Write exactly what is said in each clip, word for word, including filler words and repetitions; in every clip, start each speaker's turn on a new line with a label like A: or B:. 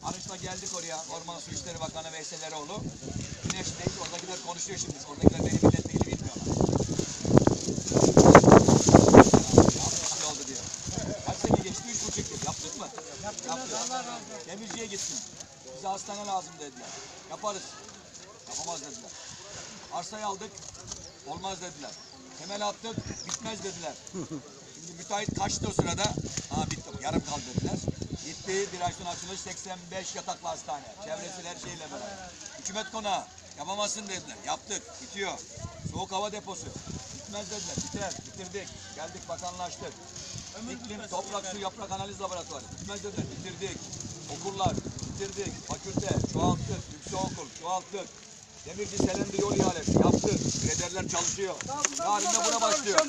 A: Arıç'la geldik oraya. Orman Su İşleri Bakanı Veysel Eroğlu. Güneş'teyiz. Oradakiler konuşuyor şimdi. Oradakiler beni milletvekili bilmiyorlar. Ne oldu diyor. Kaç sene geçti? Üç buçuk yıl. Yaptık mı? Yaptık. Demirci'ye gitsin. Bize hastane lazım dediler. Yaparız. Yapamaz dediler. Arsayı aldık. Olmaz dediler. Temel attık. Bitmez dediler. Şimdi müteahhit kaçtı o sırada. Ha bitti. Yarım kaldı dediler. Gitti. Bir ay sonra açılış seksen beş yataklı hastane. Çevresi her şeyle beraber. Hükümet konağı. Yapamazsın dediler. Yaptık. Bitiyor. Soğuk hava deposu. Bitmez dediler. Biter. Bitirdik. Geldik bakanlaştık. İklim, toprak, su, yaprak analiz laboratuvarı. Bitmez dediler. Bitirdik. Okullar. Bitirdik. Fakülte. Çoğalttık. Yüksekokul. Çoğalttık. Demirci Selendir yol ihalesi. Yaptık. Krederler çalışıyor. Yarın da buna başlıyor.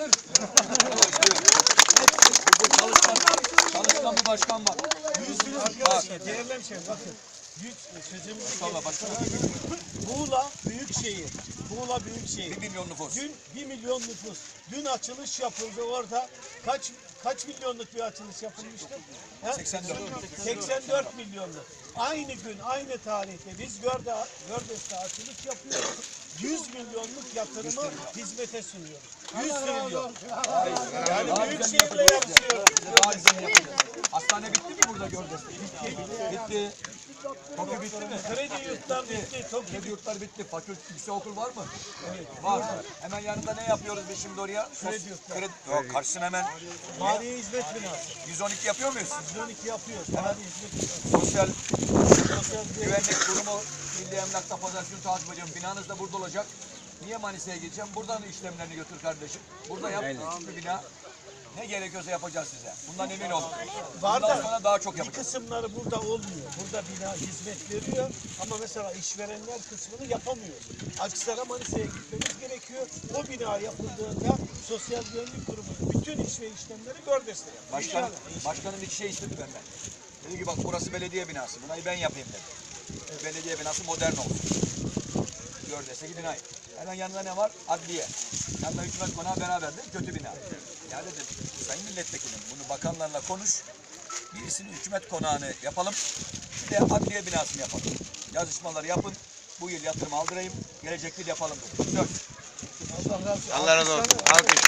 A: Bu çalışkan, çalışkan bir başkan var.
B: Yüz bin arkadaşlar, değerli hemşehrim bakın. Büyük sözümüzü geçti. Muğla Büyükşehir. Muğla Büyükşehir.
A: Bir milyon nüfus.
B: Dün bir milyon nüfus. Dün açılış yapıldı orada. Kaç kaç milyonluk bir açılış yapılmıştı? He?
A: seksen dört.
B: seksen dört milyonluk. Aynı gün, aynı tarihte biz Görde, Gördes'te açılış yapıyoruz. yüz milyonluk yatırımı hizmete sunuyoruz. yüz milyon. Yani Büyükşehir'le yapıyoruz.
A: Hastane bitti mi burada Gördes'te? Bitti. Bitti. TOKİ bitti mi?
B: Kredi yurtlar bitti. TOKİ
A: Kredi yurtlar bitti. Fakülte, yüksekokul var mı? Evet. Var. Hemen yanında ne yapıyoruz biz şimdi oraya?
B: Kredi yurtlar.
A: Kredi. Yok, karşısına hemen
B: Maliye hizmet binası.
A: yüz on iki yapıyor muyuz?
B: yüz on iki yapıyoruz. Maliye hizmet binası.
A: Sosyal
B: Sosyal
A: güvenlik kurumu, Milli Emlak'ta pazartesi takip ediyorum. Binanız da burada olacak. Niye Manisa'ya gideceğim? Buradan işlemlerini götür kardeşim. Burada yap. Bir bina. Ne gerekiyorsa yapacağız size. Bundan emin olun.
B: Var
A: Bundan
B: da
A: sonra daha çok
B: bir
A: yapacağız.
B: kısımları burada olmuyor. Burada bina hizmet veriyor ama mesela işverenler kısmını yapamıyor. Akhisar'a Manisa'ya gitmemiz gerekiyor. O bina yapıldığında Sosyal Güvenlik Kurumu bütün iş ve işlemleri Gördes'te yapıyor.
A: Başkan, başkanım iki şey istedi benden. Dedi ki bak burası belediye binası. Bunayı ben yapayım dedi. Belediye binası modern olsun. Gördese gidin hayır. Hemen yanında ne var? Adliye. Yanında hükümet konağı beraberdir. Kötü bina. Ya dedim sayın milletvekilim bunu bakanlarla konuş. Birisini hükümet konağını yapalım. Bir de adliye binasını yapalım. Yazışmaları yapın. Bu yıl yatırım aldırayım. Gelecek yıl yapalım dedim. Söz.
C: Allah razı olsun. Alkış.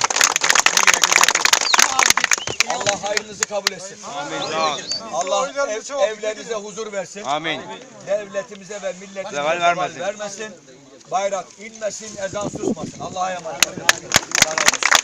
A: Allah hayrınızı kabul etsin.
C: Amin.
A: Allah ev, evlerinize huzur versin.
C: Amin.
A: Devletimize ve milletimize
C: Zeval vermesin.
A: vermesin. Bayrak inmesin, ezan susmasın. Allah'a emanet olun.